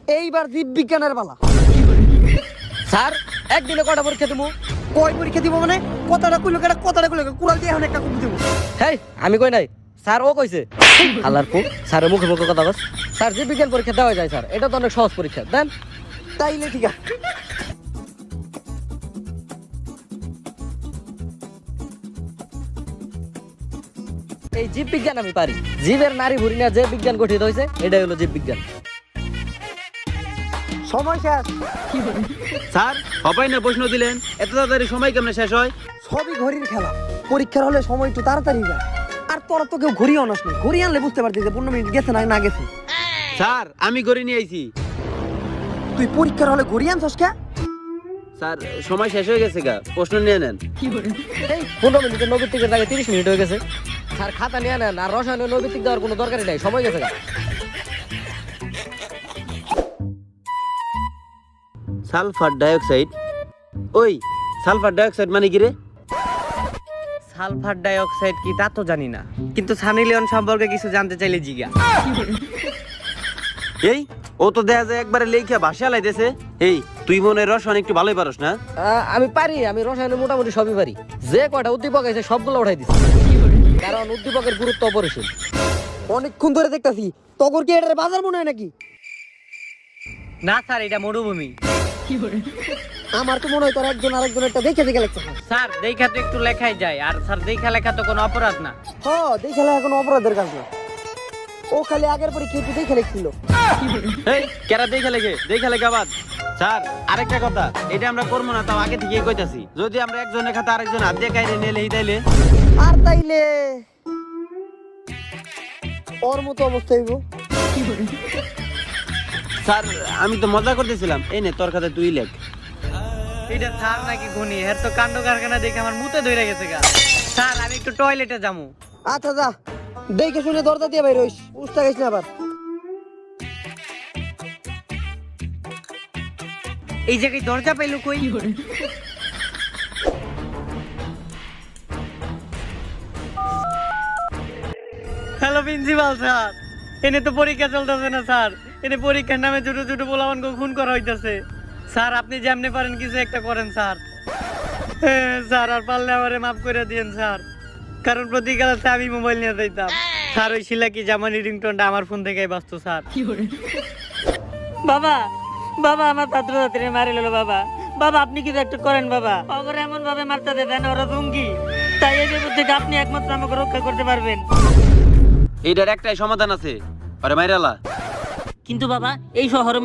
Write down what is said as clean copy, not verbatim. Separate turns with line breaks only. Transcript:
এইবার জীববিজ্ঞানের পালা।
স্যার একদিনে কটা পরীক্ষা দেবো?
কয় পরীক্ষা দিব মানে? কথাটা কইলো কেটা, কথাটা কইলো কুড়াল দিয়ে এখন একটা কুপি দিব।
হেই আমি কই নাই, স্যার ও কইছে। আল্লাহর পো স্যারের মুখে মুখে কথা বস। স্যার জীববিজ্ঞান পরীক্ষা দেওয়া যায় স্যার, এটা তো অনেক সহজ পরীক্ষা, দেন।
তাইলে ঠিক আছে।
এই জীববিজ্ঞান আমি পারি। জীবের নারী ভুঁড়ি নিয়ে যে বিজ্ঞান গঠিত হয়েছে এটাই হলো জীববিজ্ঞান।
সময় শেষ।
স্যার হবাই না প্রশ্ন দিলেন, এত তাড়াতাড়ি সময় কেমনে শেষ হয়?
সবই ঘড়ির খেলা। পরীক্ষার হলে সময় একটু তাড়াতাড়ি যায়। আর তোরা তো কেউ ঘড়ি আনাস না, ঘড়ি আনলে বুঝতে পারতি যে 15 মিনিট গেছে না গেছে।
স্যার আমি করে নিয়ে আইছি।
তুই পরীক্ষার হলে ঘড়ি আনছস কে?
স্যার সময় শেষ হয়ে গেছে গা, প্রশ্ন নিয়ে নেন।
এই 15 মিনিটের নৈবিত্তিকের জায়গায় 30 মিনিট হয়ে গেছে। স্যার খাতা নিয়ে নেন, আর রসায়নের নৈবিত্তিক দেওয়ার কোনো দরকারই নাই, সময় গেছে গা।
সালফার ডাইঅক্সাইড, ওই সালফার ডাইঅক্সাইড মানে কি রে?
সালফার ডাইঅক্সাইড কি তা তো জানি না, কিন্তু সানি লিওন সম্পর্কে কিছু জানতে চাইলে জিজ্ঞা।
এই ও তো দেখা যায় একবারে লেখা ভাষা লাইতেছে। এই তুই মনে হয় রসায়ন একটু ভালোই পারস না?
আমি পারি, আমি রসায়নে মোটামুটি সবই পারি। যে কয়টা উদ্দীপক আছে সবগুলো উঠাই দিচ্ছি, কারণ উদ্দীপকের গুরুত্ব অপরিসীম।
অনেকক্ষণ ধরে দেখতাছি, তগর কি এটার বাজার মনে হয় নাকি?
না স্যার, এটা মরুভূমি।
আমার তো মনে হয় তোর একজন আরেকজনেরটা দেখে দেখে লেখছে।
স্যার দেখা তো একটু লেখাই যায়, আর স্যার দেখা লেখা তো কোনো অপরাধ না।
দেখে এখন অপরাধের কাজ না। ও খালি আগের পরীক্ষা একটু দেখে লিখছিল।
এই কেরা দেখা লেখা বাদ। স্যার আরেকটা কথা, এটা আমরা করবো না, তাও আগে থেকেই কইতাছি। যদি আমরা একজনের খাতা আরেকজন হাত দিয়ে কাইরে নিয়ে লেহি তাইলে
আর তাইলে ওর মতো অবস্থা হইব।
স্যার আমি তো মজা করতেছিলাম। এই নে তোর খাতা তুই লেখ।
এটা স্যার নাকি গুনি, এর তো কাণ্ড কারখানা দেখে আমার মুতে ধরে গেছে গা। স্যার আমি একটু টয়লেটে যাবো।
আচ্ছা যা, দেখে শুনে দরজা দিয়ে বাইর হইস, উস্তা গেছ না আবার।
এই জায়গায় দরজা পাইলো কই? হ্যালো প্রিন্সিপাল স্যার, এনে তো পরীক্ষা চলতেছে না স্যার। এনে পরীক্ষার নামে ছোট ছোট পোলাপানকে খুন করা হইতাছে। স্যার আপনি যেমনি পারেন কিছু একটা করেন স্যার। স্যার আর পারলে আমারে মাফ করে দিয়েন স্যার, কারণ প্রতি ক্লাসে আমি মোবাইল নিয়ে যাইতাম। স্যার ওই শিলাকি জামানি রিংটোনটা আমার ফোন থেকেই বাঁচতো স্যার। বাবা বাবা আমার ছাত্রছাত্রী মারি লো বাবা। বাবা আপনি কিছু একটু করেন বাবা, ওরা এমন ভাবে মারতে দেন, ওরা জঙ্গি। তাই এই বিপদ থেকে আপনি একমাত্র আমাকে রক্ষা করতে পারবেন।
এইটার একটাই সমাধান আছে, আরে মাইরালা।
কিন্তু বাবা এই শহরে